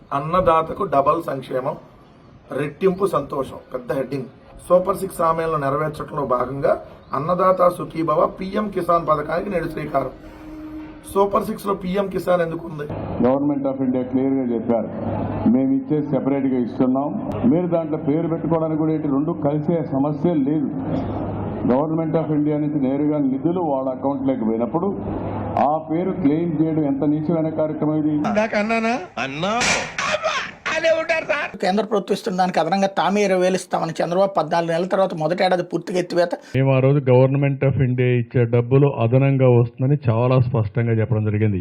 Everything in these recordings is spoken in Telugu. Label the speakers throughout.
Speaker 1: అన్నదాతకు డబల్ సంక్షేమం, రెట్టింపు సంతోషం, పెద్ద హెడ్డింగ్. సూపర్ 6 హామీలను నెరవేర్చడంలో భాగంగా అన్నదాత సుఖీభవ పీఎం కిసాన్ పథకానికి నేడు శ్రీకారం. సూపర్ 6 లో పీఎం కిసాన్ ఎందుకు ఉంది?
Speaker 2: గవర్నమెంట్ ఆఫ్ ఇండియా క్లియర్ గా చెప్పారు, మేము ఇచ్చే సెపరేట్ గా ఇస్తున్నాం. మీరు దాంట్లో పేరు పెట్టుకోవడానికి కూడా రెండు కలిసే సమస్య లేదు. గవర్నమెంట్ ఆఫ్ ఇండియా నుంచి నేరుగా నిధులు వాళ్ళ అకౌంట్లోకి పోయినప్పుడు ఆ పేరు క్లెయిమ్ చేయడం ఎంత నీచమైన కార్యక్రమం ఇది.
Speaker 3: కేంద్ర ప్రభుత్వం ఇస్తున్న దానికి అదనంగా తామే 20,000 ఇస్తామని చంద్రబాబు 14 నెలల తర్వాత మొదటి ఏడాది పూర్తిగా ఎత్తివేత.
Speaker 4: మేము ఆ రోజు గవర్నమెంట్ ఆఫ్ ఇండియా ఇచ్చే డబ్బులు అదనంగా వస్తుందని చాలా స్పష్టంగా చెప్పడం జరిగింది.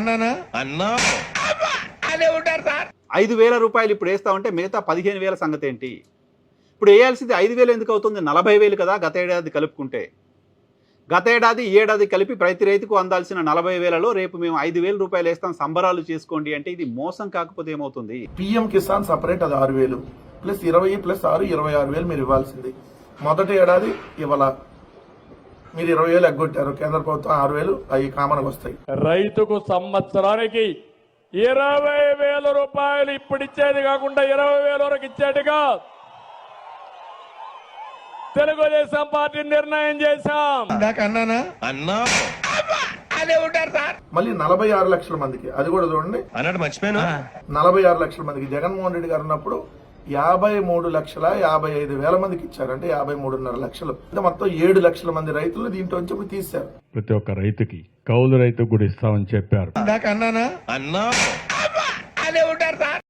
Speaker 5: 5,000 రూపాయలు ఇప్పుడు వేస్తామంటే మిగతా 15,000 సంగతి ఏంటి? ఇప్పుడు వేయాల్సింది 5,000 ఎందుకు అవుతుంది? 40,000 కదా గత ఏడాది కలుపుకుంటే. గత ఏడాది ఈ ఏడాది కలిపి ప్రతి రైతుకు అందాల్సిన 40,000లో రేపు మేము 5,000 రూపాయలు వేస్తాం, సంబరాలు చేసుకోండి అంటే ఇది మోసం కాకపోతే ఏమవుతుంది?
Speaker 1: పీఎం కిసాన్ సపరేట్, అది 6,000 ప్లస్ 20 ప్లస్ 6 26,000 మీరు ఇవ్వాల్సింది. మొదటి ఏడాది ఇవ్వాల, మీరు 20,000 ఎగ్గొట్టారు. కేంద్ర ప్రభుత్వం 6,000 అవి కామన్గా వస్తాయి.
Speaker 6: రైతుకు సంవత్సరానికి 20,000 రూపాయలు ఇప్పుడు ఇచ్చేది కాకుండా 20,000 వరకు ఇచ్చేట్టుగా తెలుగుదేశం పార్టీ నిర్ణయం చేశాం.
Speaker 1: మళ్ళీ 46 లక్షల మందికి, అది కూడా చూడండి, 46 లక్షల మందికి జగన్మోహన్ రెడ్డి గారు ఉన్నప్పుడు 53,55,000 మందికి ఇచ్చారు. అంటే 53.5 లక్షలు. మొత్తం 7 లక్షల మంది రైతులు దీంట్లో నుంచి ఇప్పుడు తీశారు.
Speaker 4: ప్రతి ఒక్క రైతుకి, కౌలు రైతుకు కూడా ఇస్తామని చెప్పారు.